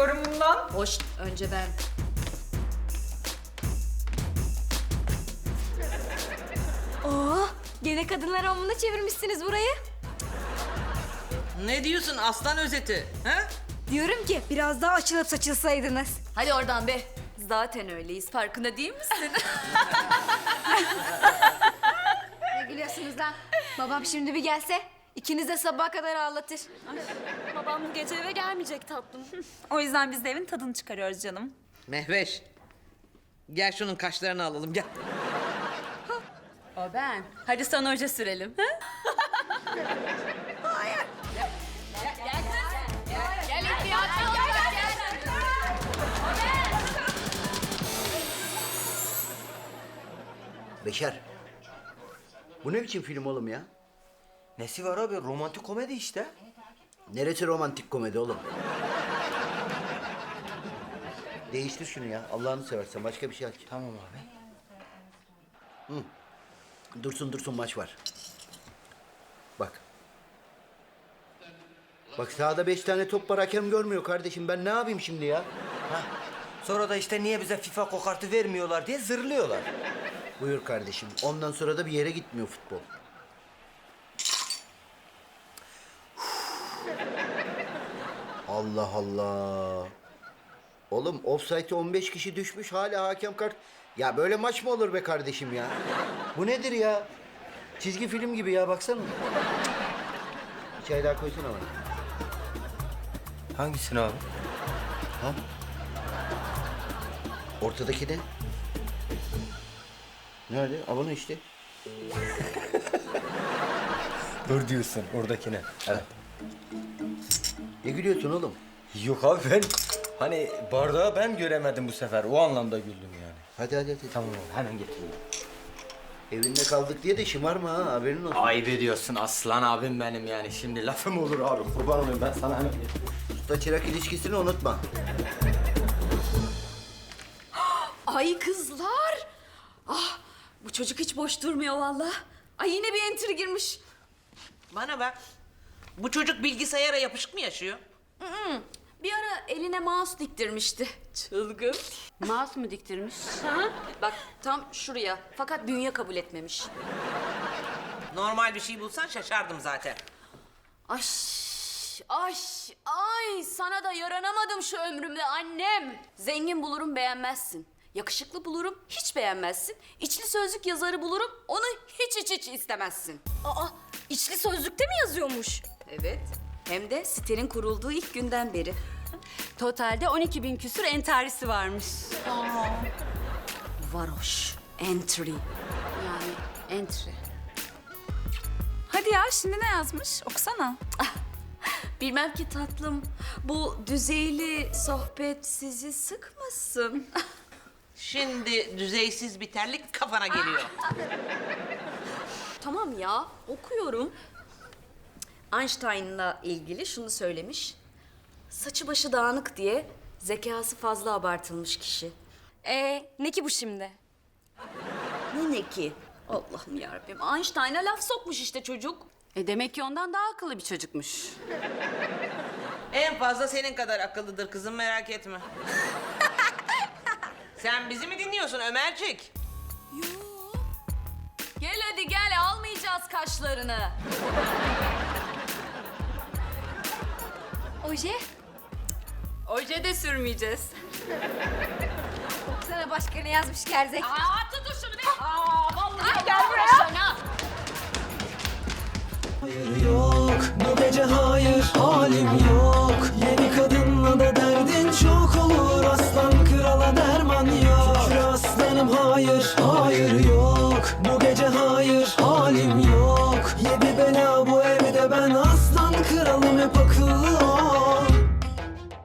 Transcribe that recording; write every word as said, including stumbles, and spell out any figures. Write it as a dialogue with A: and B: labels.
A: istiyorum bundan.
B: Hoş, önce ben.
C: Oo, gene kadınlar hamamına çevirmişsiniz burayı.
D: Ne diyorsun aslan özeti? Ha?
C: Diyorum ki biraz daha açılıp saçılsaydınız.
B: Hadi oradan be. Zaten öyleyiz, farkında değil misin?
C: Ne gülüyorsunuz lan? Babam şimdi bir gelse ikiniz de sabaha kadar ağlatır.
E: Babam bu gece eve gelmeyecek tatlım. O yüzden biz de evin tadını çıkarıyoruz canım.
D: Mehveş. Gel şunun kaşlarını alalım gel.
B: O ben. Hadi sana oje sürelim. Ha?
F: Beşer. Bu ne biçim film oğlum ya?
G: Nesi var abi? Romantik komedi işte.
F: Neresi romantik komedi oğlum? Değiştir şunu ya. Allah'ını seversen başka bir şey aç.
G: Tamam abi.
F: Dursun dursun maç var. Bak. Bak sahada beş tane top var hakem görmüyor kardeşim. Ben ne yapayım şimdi ya?
G: Ha. Sonra da işte niye bize FIFA kokartı vermiyorlar diye zırlıyorlar.
F: Buyur kardeşim. Ondan sonra da bir yere gitmiyor futbol. Allah Allah. Oğlum offside'e on beş kişi düşmüş hala hakem kart. Ya böyle maç mı olur be kardeşim ya? Bu nedir ya? Çizgi film gibi ya baksana. Bir çay daha koysana bana.
G: Hangisini abi?
F: Ha? Ortadaki ne? Nerede? Abone işte.
G: Dur diyorsun oradakine. Evet.
F: Ne gülüyorsun oğlum?
G: Yok abi ben hani bardağı ben göremedim bu sefer. O anlamda güldüm yani.
F: Hadi hadi hadi.
G: Tamam abi hemen getiriyorum.
F: Evinde kaldık diye de şımarma ha haberin olsun.
G: Ayıp ediyorsun aslan abim benim yani. Şimdi lafım olur abi. Kurban olayım ben sana hemen getiriyorum.
F: Usta çırak ilişkisini unutma.
B: Ay kızlar. Ah, bu çocuk hiç boş durmuyor vallahi. Ay yine bir entry girmiş.
D: Bana bak. Bu çocuk bilgisayara yapışık mı yaşıyor?
B: Bir ara eline mouse diktirmişti. Çılgın. Mouse mu diktirmiş? Hı. Bak tam şuraya. Fakat bünye kabul etmemiş.
D: Normal bir şey bulsan şaşardım zaten.
B: Ay, ay, ay sana da yaranamadım şu ömrümde annem. Zengin bulurum beğenmezsin. Yakışıklı bulurum hiç beğenmezsin. İçli sözlük yazarı bulurum onu hiç hiç hiç istemezsin.
C: Aa, içli sözlükte mi yazıyormuş?
B: Evet. Hem de sitenin kurulduğu ilk günden beri.
E: Totalde on iki bin küsür entarisi varmış.
B: Varoş. Entry. Yani entry.
E: Hadi ya şimdi ne yazmış? Okusana.
B: Bilmem ki tatlım. Bu düzeyli sohbet sizi sıkmasın.
D: Şimdi düzeysiz bir terlik kafana geliyor.
B: Tamam ya, okuyorum. Einstein'la ilgili şunu söylemiş. Saçı başı dağınık diye zekası fazla abartılmış kişi.
C: Ee, ne ki bu şimdi?
B: Ne ne ki? Allah'ım yarabbim. Einstein'a laf sokmuş işte çocuk. E demek ki ondan daha akıllı bir çocukmuş.
D: En fazla senin kadar akıllıdır kızım merak etme. Sen bizi mi dinliyorsun Ömercik?
B: Gel hadi gel, almayacağız kaşlarını.
C: Oje?
B: Oje de sürmeyeceğiz.
C: Sana başka ne yazmış gerzek?
B: Aa, tutun şunu be. Aa, vallahi gel buraya.
H: Hayır yok bu gece hayır halim yok. Yeni kadınla da